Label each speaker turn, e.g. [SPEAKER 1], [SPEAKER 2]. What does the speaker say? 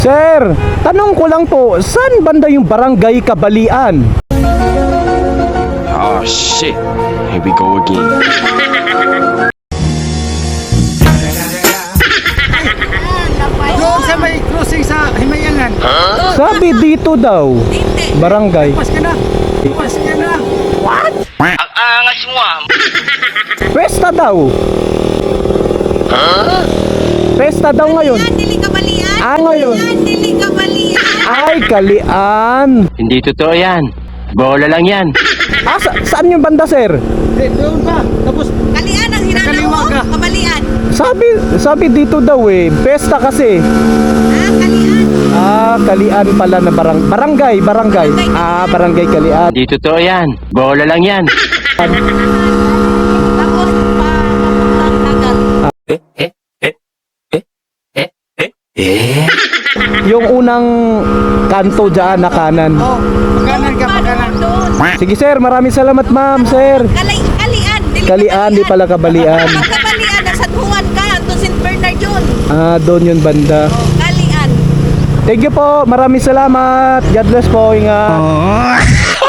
[SPEAKER 1] Sir, tanong ko lang po, saan banda yung barangay Kabalian?
[SPEAKER 2] Oh shit, here we go again.
[SPEAKER 3] Doon sa may crossing sa Himayangan.
[SPEAKER 1] Sabi dito daw, barangay.
[SPEAKER 3] Pas ka na. Pas ka na.
[SPEAKER 2] Ang angas mo ah.
[SPEAKER 1] Pesta daw. Pesta daw ngayon.
[SPEAKER 4] Dili Kabalian.
[SPEAKER 1] Ngayon.
[SPEAKER 4] Dili Kabalian.
[SPEAKER 1] Ay, Kalian.
[SPEAKER 2] Hindi totoo yan. Bola lang yan.
[SPEAKER 1] Saan yung banda, sir?
[SPEAKER 3] Doon pa. Tapos
[SPEAKER 4] Kalian ang hinanaw
[SPEAKER 3] Kaliwa
[SPEAKER 4] mo.
[SPEAKER 3] ka.
[SPEAKER 4] Kabalian.
[SPEAKER 1] Sabi dito daw eh, pesta kasi.
[SPEAKER 4] Kalian.
[SPEAKER 1] Kalian pala na barangay. Barangay Kalian.
[SPEAKER 2] Hindi totoo yan. Bola lang yan.
[SPEAKER 4] Tapos papuntang dagat.
[SPEAKER 1] Yung unang kanto dyan na kanan.
[SPEAKER 3] oh, pagkanan ka, pagkanan.
[SPEAKER 4] Doon.
[SPEAKER 1] Sige sir, maraming salamat ma'am, sir.
[SPEAKER 4] Kalian. Dili
[SPEAKER 1] Kalian, di pala Kabalian.
[SPEAKER 4] Kabalian. Nasa Juan ka. Doon St. Bernard yun.
[SPEAKER 1] Doon yung banda.
[SPEAKER 4] Kalian.
[SPEAKER 1] Thank you po, maraming salamat. God bless po, ingat.